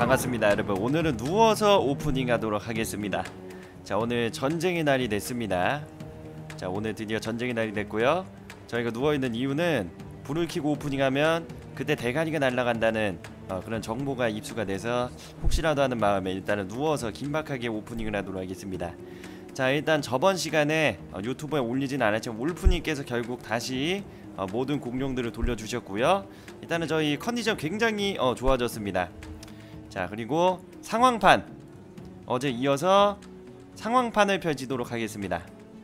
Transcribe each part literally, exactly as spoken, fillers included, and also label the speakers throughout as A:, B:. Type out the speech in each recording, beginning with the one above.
A: 반갑습니다 여러분. 오늘은 누워서 오프닝 하도록 하겠습니다. 자, 오늘 전쟁의 날이 됐습니다. 자, 오늘 드디어 전쟁의 날이 됐고요. 저희가 누워있는 이유는 불을 켜고 오프닝하면 그때 대가리가 날아간다는 어, 그런 정보가 입수가 돼서 혹시라도 하는 마음에 일단은 누워서 긴박하게 오프닝을 하도록 하겠습니다. 자, 일단 저번 시간에 어, 유튜브에 올리진 않았지만 울프님께서 결국 다시 어, 모든 공룡들을 돌려주셨고요. 일단은 저희 컨디션 굉장히 어, 좋아졌습니다. 자, 그리고 상황판 어제 이어서 상황판을 펼치도록 하겠습니다.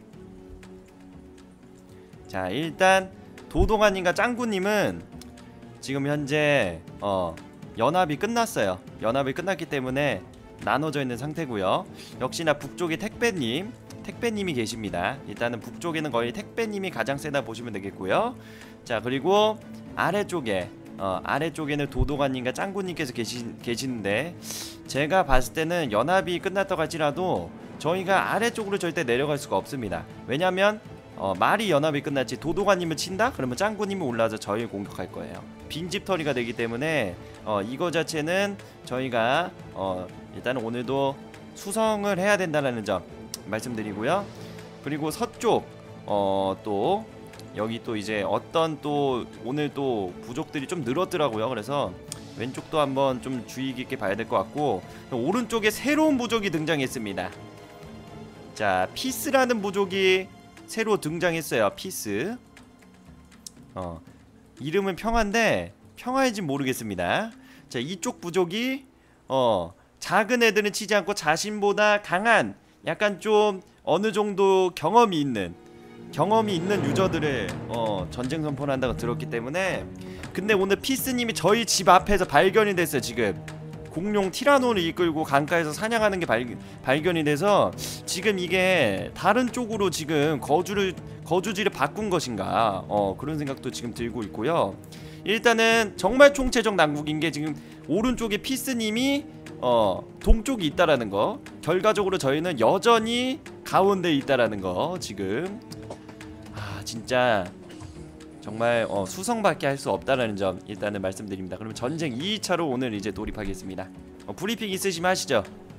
A: 자, 일단 도동아님과 짱구님은 지금 현재 어, 연합이 끝났어요. 연합이 끝났기 때문에 나눠져 있는 상태고요. 역시나 북쪽에 택배님 택배님이 계십니다. 일단은 북쪽에는 거의 택배님이 가장 세다 보시면 되겠고요. 자, 그리고 아래쪽에 어, 아래쪽에는 도도관님과 짱구님께서 계시, 계시는데 제가 봤을 때는 연합이 끝났다고 할지라도 저희가 아래쪽으로 절대 내려갈 수가 없습니다. 왜냐면 어, 말이 연합이 끝났지 도도관님을 친다? 그러면 짱구님이 올라와서 저희를 공격할 거예요. 빈집털이가 되기 때문에 어, 이거 자체는 저희가 어, 일단은 오늘도 수성을 해야 된다는 점 말씀드리고요. 그리고 서쪽 어, 또 여기 또 이제 어떤 또 오늘 또 부족들이 좀 늘었더라고요. 그래서 왼쪽도 한번 좀 주의 깊게 봐야 될 것 같고, 오른쪽에 새로운 부족이 등장했습니다. 자, 피스라는 부족이 새로 등장했어요. 피스. 어, 이름은 평화인데 평화인지 모르겠습니다. 자, 이쪽 부족이 어, 작은 애들은 치지 않고 자신보다 강한 약간 좀 어느 정도 경험이 있는 경험이 있는 유저들을 어, 전쟁 선포를 한다고 들었기 때문에. 근데 오늘 피스님이 저희 집 앞에서 발견이 됐어요. 지금 공룡 티라노를 이끌고 강가에서 사냥하는 게 발, 발견이 돼서 지금 이게 다른 쪽으로 지금 거주를 거주지를 바꾼 것인가 어, 그런 생각도 지금 들고 있고요. 일단은 정말 총체적 난국인 게 지금 오른쪽에 피스님이 어, 동쪽이 있다라는 거, 결과적으로 저희는 여전히 가운데에 있다라는 거. 지금 아, 진짜 정말 어, 수성밖에 할 수 없다라는 점 일단은 말씀드립니다. 그러면 전쟁 이 차로 오늘 이제 돌입하겠습니다. 어, 브리핑 있으시면 하시죠.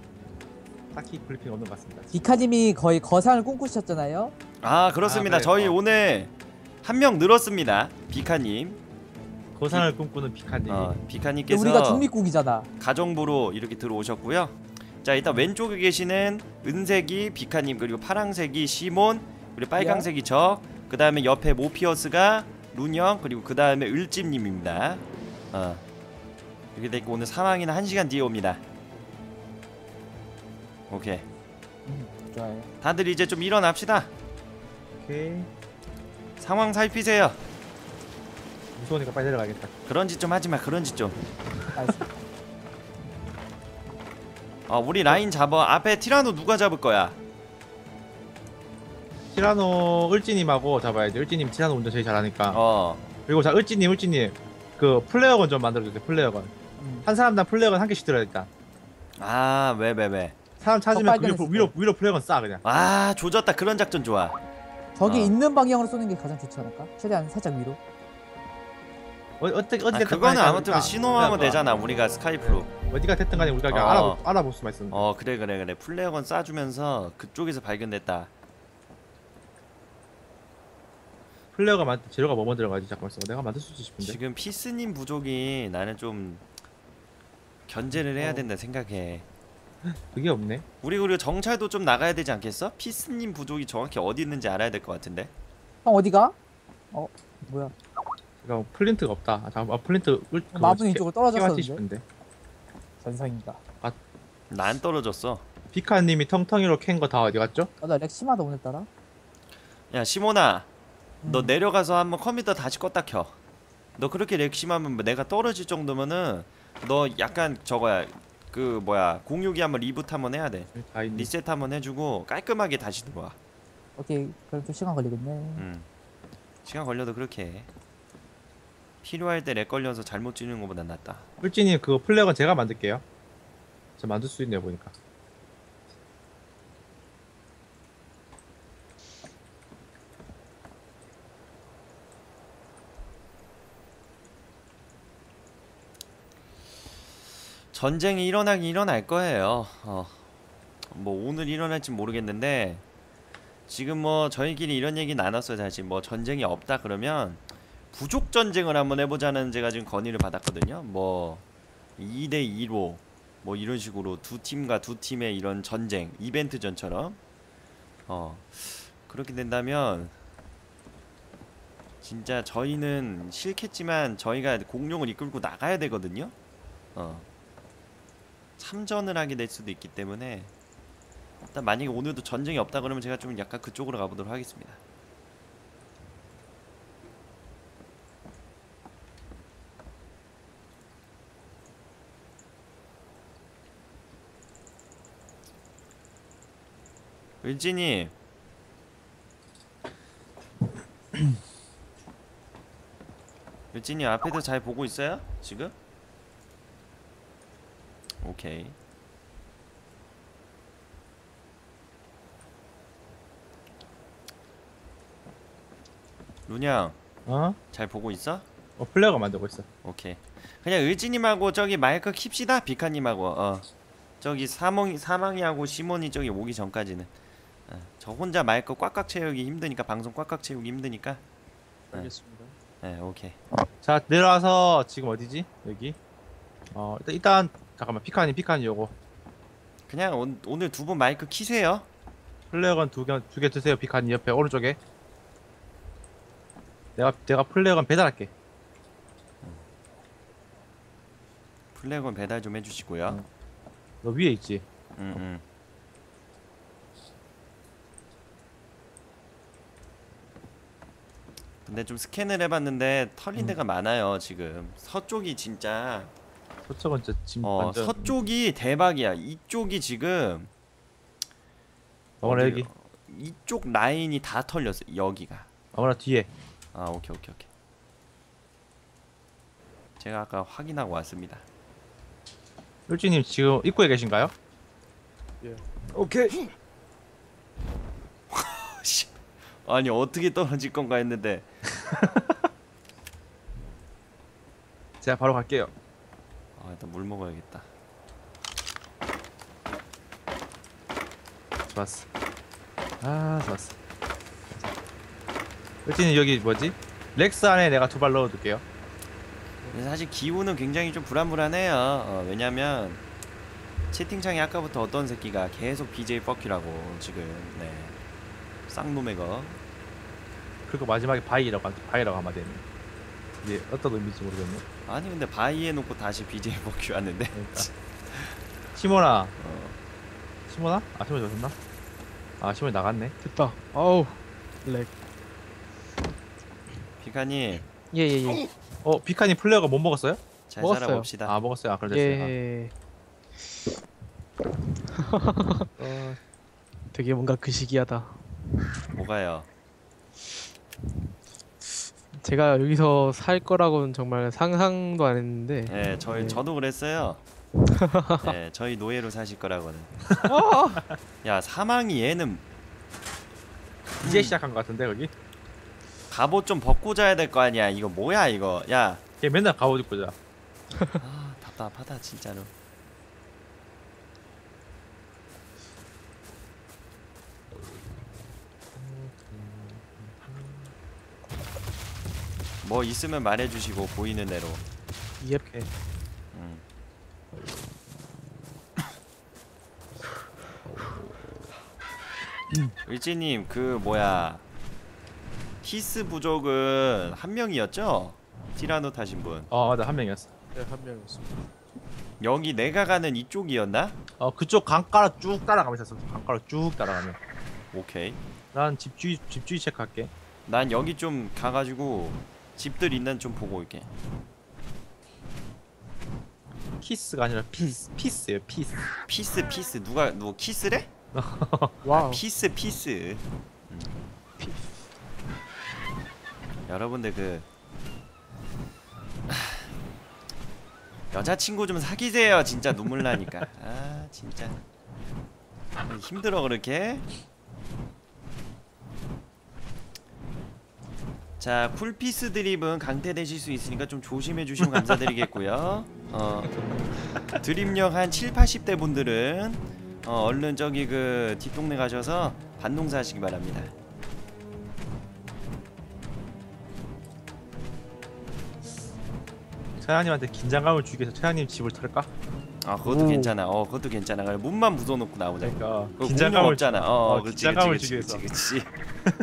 B: 딱히 브리핑 없는 것 같습니다.
C: 디카님이 거의 거상을 꿈꾸셨잖아요.
A: 아, 그렇습니다.
B: 아, 네.
A: 저희
B: 어.
A: 오늘 한 명 늘었습니다. 비카님.
B: 거상을 꿈꾸는 비카님.
A: 어,
C: 근데
A: 비카님께서
C: 우리가 중립국이잖아.
A: 가정부로 이렇게 들어오셨고요. 자, 일단 왼쪽에 계시는 은색이 비카님, 그리고 파랑색이 시몬, 그리고 빨강색이 저, 그 다음에 옆에 모피어스가 룬형, 그리고 그 다음에 을찜님입니다. 어, 이렇게 되고 오늘 사망이는 한 시간 뒤에 옵니다. 오케이.
C: 음, 좋아요.
A: 다들 이제 좀 일어납시다.
B: 오케이.
A: 상황 살피세요.
B: 무서우니까 빨리 내려가야겠다.
A: 그런 짓 좀 하지마. 그런 짓 좀.
C: 알겠습니다.
A: 어, 우리 라인 잡아. 앞에 티라노 누가 잡을 거야?
B: 티라노 을지님하고 잡아야지. 을지님 티라노 운전 제일 잘하니까.
A: 어,
B: 그리고 자 을지님 을지님 그 플레어건 좀 만들어주세요. 플레어건.
C: 음.
B: 한 사람당 플레어건 한 개씩 들어야 일단.
A: 아, 왜, 왜, 왜?
B: 사람 찾으면 그 위로,
C: 빨간색
B: 위로 위로 플레어건 쏴 그냥.
A: 아, 조졌다. 그런 작전 좋아.
C: 저기
A: 어.
C: 있는 방향으로 쏘는 게 가장 좋지 않을까? 최대한 살짝 위로.
B: 어, 어떻게
A: 아,
B: 어떻게
A: 그거는 아무튼 신호하면 되잖아. 우리가 스카이프로.
B: 어디가 됐든 간에 우리가 그냥
A: 어.
B: 알아보 알아볼 수만 있으면.
A: 어, 그래 그래 그래. 플레어건 쏴주면서 그쪽에서 발견됐다.
B: 플레어가 만 재료가 뭐뭐 들어가지? 잠깐만 있어. 내가 만들 수 있지 싶은데.
A: 지금 피스님 부족이 나는 좀 견제를 해야
B: 어.
A: 된다 생각해.
B: 그게 없네.
A: 우리 그리고 정찰도 좀 나가야 되지 않겠어? 피스님 부족이 정확히 어디 있는지 알아야 될 것 같은데.
C: 형 어디가? 어 뭐야?
B: 그러니까 플린트가 없다. 아, 잠깐. 아, 플린트 을
C: 마분이 이쪽으로 떨어졌었는데.
B: 싶은데.
C: 전상인가?
A: 난 떨어졌어.
B: 비카님이 텅텅이로 캔 거 다 어디 갔죠?
C: 나도 렉 심하다 오늘따라.
A: 야, 시모나, 너
C: 음.
A: 내려가서 한번 컴퓨터 다시 껐다 켜. 너 그렇게 렉 심하면 내가 떨어질 정도면은 너 약간 저거야. 그 뭐야, 공유기 한번 리부트 한번 해야 돼.
B: 다 있네.
A: 리셋 한번 해주고 깔끔하게 다시 들어와.
C: 오케이 그럼 좀 시간 걸리겠네.
A: 음. 시간 걸려도 그렇게 해. 필요할 때 렉 걸려서 잘못 찌는 것보다 낫다.
B: 꿀찌님 그거 플레어건 제가 만들게요. 저 만들 수 있네요 보니까.
A: 전쟁이 일어나긴 일어날 거예요. 어. 뭐 오늘 일어날지 모르겠는데 지금 뭐 저희끼리 이런 얘기 나눴어요. 사실 뭐 전쟁이 없다 그러면 부족 전쟁을 한번 해보자는 제가 지금 건의를 받았거든요. 뭐 이 대 이로 뭐 이런 식으로 두 팀과 두 팀의 이런 전쟁 이벤트전처럼 어 그렇게 된다면 진짜 저희는 싫겠지만 저희가 공룡을 이끌고 나가야 되거든요. 어 참전을 하게 될 수도 있기 때문에 일단 만약에 오늘도 전쟁이 없다 그러면 제가 좀 약간 그쪽으로 가보도록 하겠습니다. 을지님 을지님 앞에도 잘 보고 있어요? 지금? 오케이. 루냥
B: 어?
A: 잘 보고 있어?
B: 어 플레어가 만들고 있어.
A: 오케이. 그냥 을지님하고 저기 마이크 킵시다. 비카님하고 어 저기 사몽이 사망이하고 시몬이 저기 오기 전까지는 어, 저 혼자 마이크 꽉꽉 채우기 힘드니까 방송 꽉꽉 채우기 힘드니까
D: 알겠습니다.
A: 네 오케이.
B: 자 내려와서 지금 어디지? 여기. 어 일단 일단 잠깐만 피카니 피카니 요거.
A: 그냥 오, 오늘 두 분 마이크 키세요.
B: 플레어건 두개 두 개 드세요. 피카니 옆에 오른쪽에. 내가 내가 플레어건 배달할게.
A: 플래곤 배달 좀 해주시고요.
B: 응. 너 위에 있지?
A: 음, 음. 근데 좀 스캔을 해봤는데 털린
B: 음.
A: 데가 많아요. 지금 서쪽이 진짜
B: 서쪽은 진짜 지금
A: 어
B: 완전.
A: 서쪽이 대박이야. 이쪽이 지금
B: 어머나
A: 어디-
B: 여기.
A: 이쪽 라인이 다 털렸어. 여기가.
B: 어머나 뒤에.
A: 아 오케이 오케이 오케이. 제가 아까 확인하고 왔습니다.
B: 율지님 지금 입구에 계신가요?
D: 오케이.
A: 씨. 아니 어떻게 떨어질 건가 했는데
B: 제가 바로 갈게요.
A: 아 일단 물 먹어야겠다.
B: 좋았어. 아 좋았어. 율지님 여기 뭐지? 렉스 안에 내가 두 발 넣어둘게요.
A: 근데 사실 기후는 굉장히 좀 불안불안해요. 어, 왜냐면 채팅창에 아까부터 어떤 새끼가 계속 비제이 뻑큐라고 지금 네 쌍놈의 거.
B: 그리고 마지막에 바이라고 한- 바이라고 한마디 했네. 이게 어떤 의미인지 모르겠네.
A: 아니 근데 바이 해놓고 다시 비제이 뻑큐 하는데
B: 그러니까. 시모나.
A: 어,
B: 시모나? 아 시모 저셨나? 아 시모 나갔네.
D: 됐다. 아우. 렉.
A: 피카님
D: 예예예.
B: 어 비카니 플레어가 못 먹었어요?
A: 잘
D: 먹었어요.
A: 살아봅시다.
B: 아 먹었어요. 아 그래 됐어요.
D: 예.
B: 아. 어,
D: 되게 뭔가 그 시기하다.
A: 뭐가요?
D: 제가 여기서 살 거라고는 정말 상상도 안 했는데.
A: 네 저희
D: 네.
A: 저도 그랬어요. 네 저희 노예로 사실 거라고는. 야 사망이 얘는
B: 이제 시작한 것 같은데 거기?
A: 갑옷 좀 벗고 자야 될 거 아니야. 이거 뭐야 이거. 야
B: 걔 맨날 갑옷 입고 자.
A: 아, 답답하다 진짜로. 뭐 있으면 말해주시고 보이는 대로.
D: 예.
A: 음. 을지님 그 뭐야 히스 부족은 한 명이었죠? 티라노 타신 분.
B: 어 맞아 한 명이었어.
D: 네, 한 명이었습니다.
A: 여기 내가 가는 이쪽이었나?
B: 어 그쪽 강가로 쭉 따라가면 있었어. 강가로 쭉 따라가면.
A: 오케이.
B: 난 집주의 집주의 체크할게.
A: 난 여기 좀 가가지고 집들 있는 좀 보고 올게.
B: 키스가 아니라 피스 피스예요 피스.
A: 피스 피스 누가 누구 키스래?
D: 와우.
A: 피스 피스. 음.
D: 피-
A: 여러분들 그 하, 여자친구 좀 사귀세요. 진짜 눈물 나니까. 아 진짜 힘들어 그렇게. 자, 쿨피스 드립은 강퇴되실 수 있으니까 좀 조심해 주시면 감사드리겠고요. 어, 드립력 한 칠, 팔십 대 분들은 어, 얼른 저기 그 뒷동네 가셔서 반농사 하시기 바랍니다.
B: 차장님한테 긴장감을 주기 위해서 차장님 집을 털까?
A: 아, 그것도
C: 오.
A: 괜찮아. 어, 그것도 괜찮아. 그래, 문만 부숴놓고 나오자.
B: 그러니까
A: 그거
B: 긴장감을
A: 공룡 없잖아. 어,
B: 어,
A: 그렇지,
B: 긴장감을
A: 그렇지,
B: 주기
A: 그렇지,
B: 위해서.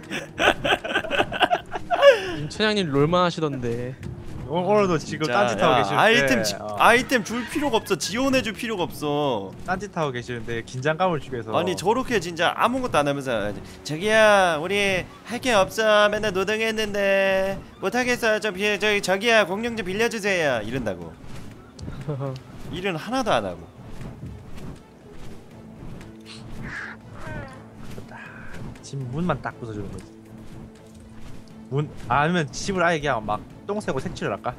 A: 그렇지.
D: 임 차장님 롤만 하시던데.
B: 오- 오늘도 지금
A: 진짜,
B: 딴짓하고
A: 야,
B: 계시는데
A: 아이템 지,
B: 어,
A: 아이템 줄 필요가 없어. 지원해줄 필요가 없어.
B: 딴짓하고 계시는데 긴장감을 주기 위해서
A: 아니 저렇게 진짜 아무것도 안 하면서 저기야 우리 할 게 없어 맨날 노동했는데 못하겠어요 저 비, 저기 저기야 공룡 좀 빌려주세요 이런다고. 일은 하나도 안 하고.
B: 집 문만 딱 부숴주는 거지. 문 아니면 집을 아예 그냥 막 똥새고 색칠을 할까?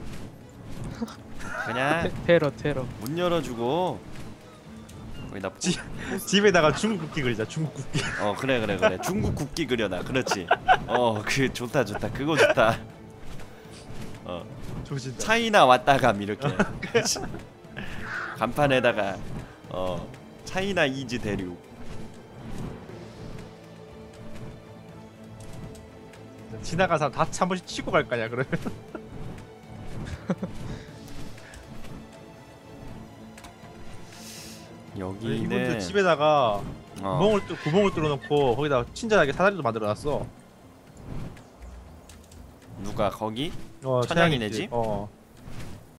A: 그냥
D: 테, 테러 테러.
A: 문 열어주고 거기다 뿌-
B: 지- 집에다가 중국 국기 그리자. 중국 국기.
A: 어 그래 그래 그래 중국 국기 그려놔. 그렇지. 어 그 좋다 좋다 그거 좋다. 어
B: 조진다.
A: 차이나 왔다 감 이렇게. 그렇지. 간판에다가 어 차이나 이즈 대륙.
B: 지나간 사람 다 한 번씩 치고 갈 거냐 그러면. 이분들
A: 여기는
B: 집에다가
A: 어,
B: 구멍을 뚫 구멍을 뚫어놓고 거기다 친절하게 사다리도 만들어놨어.
A: 누가 거기?
B: 어,
A: 천양이네
B: 차양이지.
A: 집?
B: 어.